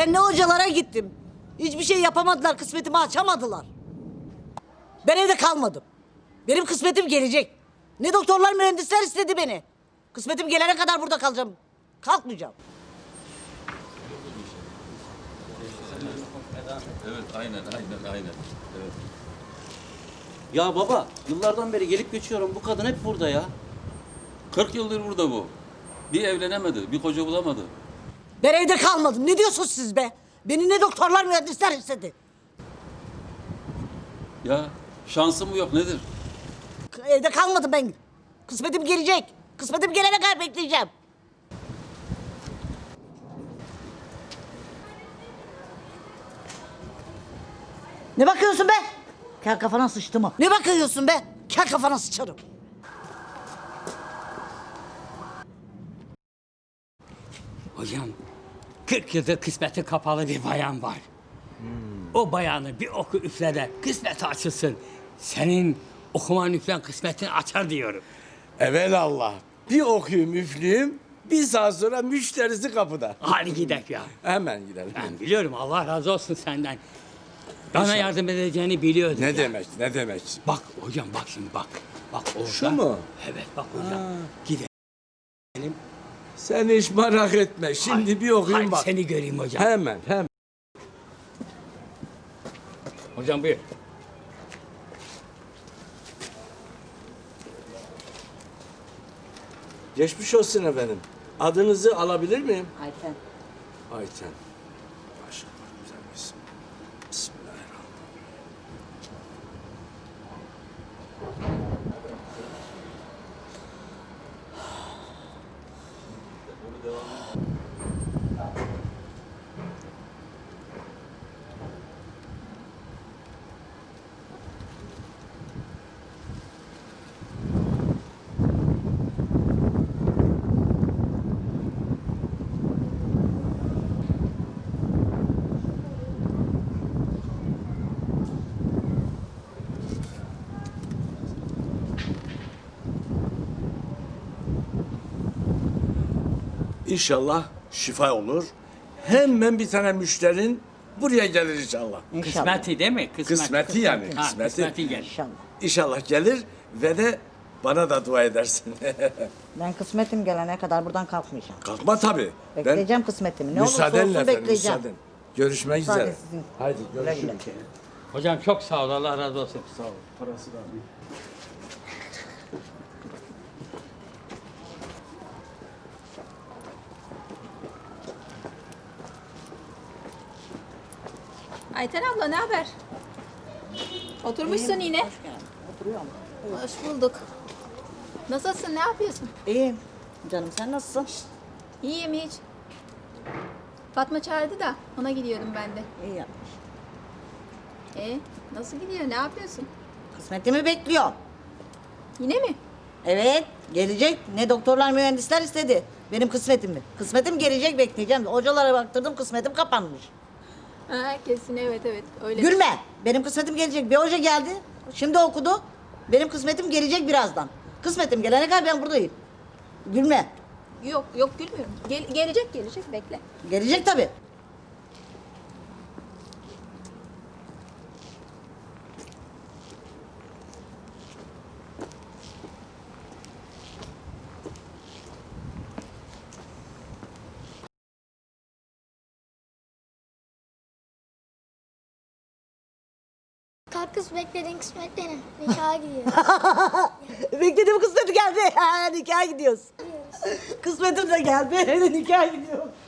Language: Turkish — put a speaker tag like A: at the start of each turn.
A: Ben ne hocalara gittim. Hiçbir şey yapamadılar, kısmetimi açamadılar. Ben evde kalmadım. Benim kısmetim gelecek. Ne doktorlar, mühendisler istedi beni. Kısmetim gelene kadar burada kalacağım. Kalkmayacağım.
B: Evet, aynen. Evet.
C: Ya baba, yıllardan beri gelip geçiyorum. Bu kadın hep burada ya.
B: 40 yıldır burada bu. Bir evlenemedi, bir koca bulamadı.
A: Ben evde kalmadım. Ne diyorsunuz siz be? Beni ne doktorlar, mühendisler istedi.
B: Ya şansım mı yok nedir?
A: Evde kalmadım ben. Kısmetim gelecek. Kısmetim gelene kadar bekleyeceğim. Ne bakıyorsun be? Kel kafana sıçtı mı? Ne bakıyorsun be? Kel kafana sıçarım.
D: Hocam, 40 yıldır kısmeti kapalı bir bayan var. O bayanı bir oku üfle de kısmeti açılsın. Senin okuman üflen kısmetini açar diyorum.
E: Evelallah. Bir okuyayım üfleyeyim. Bir saat sonra müşterisi kapıda.
D: Hadi gidelim ya.
E: Hemen gidelim.
D: Ben biliyorum, Allah razı olsun senden. Bana yardım edeceğini biliyordum.
E: Ne
D: ya.
E: demek, ne demek?
D: Bak hocam, bak şimdi bak. Bak orada.
E: Şu mu?
D: Evet bak hocam. Gidelim.
E: Sen hiç merak etme. Şimdi bir okuyayım
D: Hadi
E: bak.
D: seni göreyim hocam.
E: Hemen.
D: Hocam buyur.
E: Geçmiş olsun efendim. Adınızı alabilir miyim?
A: Ayten.
E: Ayten. Maşallah güzel bir isim. Bismillahirrahmanirrahim. İnşallah şifa olur. Hemen bir tane müşterin buraya gelir inşallah.
D: Kısmeti değil mi?
E: Kısmeti yani,
D: Ha,
E: kısmeti.
D: kısmeti gel.
A: İnşallah.
E: İnşallah gelir ve de bana da dua edersin.
A: Ben kısmetim gelene kadar buradan kalkmayacağım.
E: Kalkma tabii.
A: Bekleyeceğim kısmetimi. Ne olursa
E: Müsaadenle
A: olsun
E: efendim,
A: bekleyeceğim.
E: müsaaden. Görüşmek
A: Müsaade
E: üzere.
A: sizin.
E: Haydi
A: Güle
E: görüşürüz.
A: güle.
D: Hocam çok sağ ol, Allah razı olsun.
E: Sağ ol. Parası da alayım.
F: Ayten abla ne haber? Oturmuşsun yine.
A: Oturuyorum.
F: Hoş bulduk. Nasılsın? Ne yapıyorsun?
A: İyiyim. Canım sen nasılsın?
F: İyiyim hiç. Fatma çağırdı da ona gidiyordum ben de.
A: İyi yapmış.
F: Nasıl gidiyor? Ne yapıyorsun?
A: Kısmetimi bekliyorum.
F: Yine mi?
A: Evet, gelecek. Ne doktorlar, mühendisler istedi. Benim kısmetimi. Kısmetim gelecek, bekleyeceğim. Hocalara baktırdım, kısmetim kapanmış.
F: Ha, kesin evet öyle.
A: Gülme. Benim kısmetim gelecek. Bir hoca geldi. Şimdi okudu. Benim kısmetim gelecek birazdan. Kısmetim gelene kadar ben buradayım. Gülme.
F: Yok gülmüyorum. Gelecek bekle.
A: Gelecek tabii.
G: Kalk kız beklediğin kısmet benim. Nikaha gidiyor.
A: Beklediğim kısmeti geldi. Ha, nikaha gidiyoruz. Kısmetim de geldi. Nikaha gidiyorum.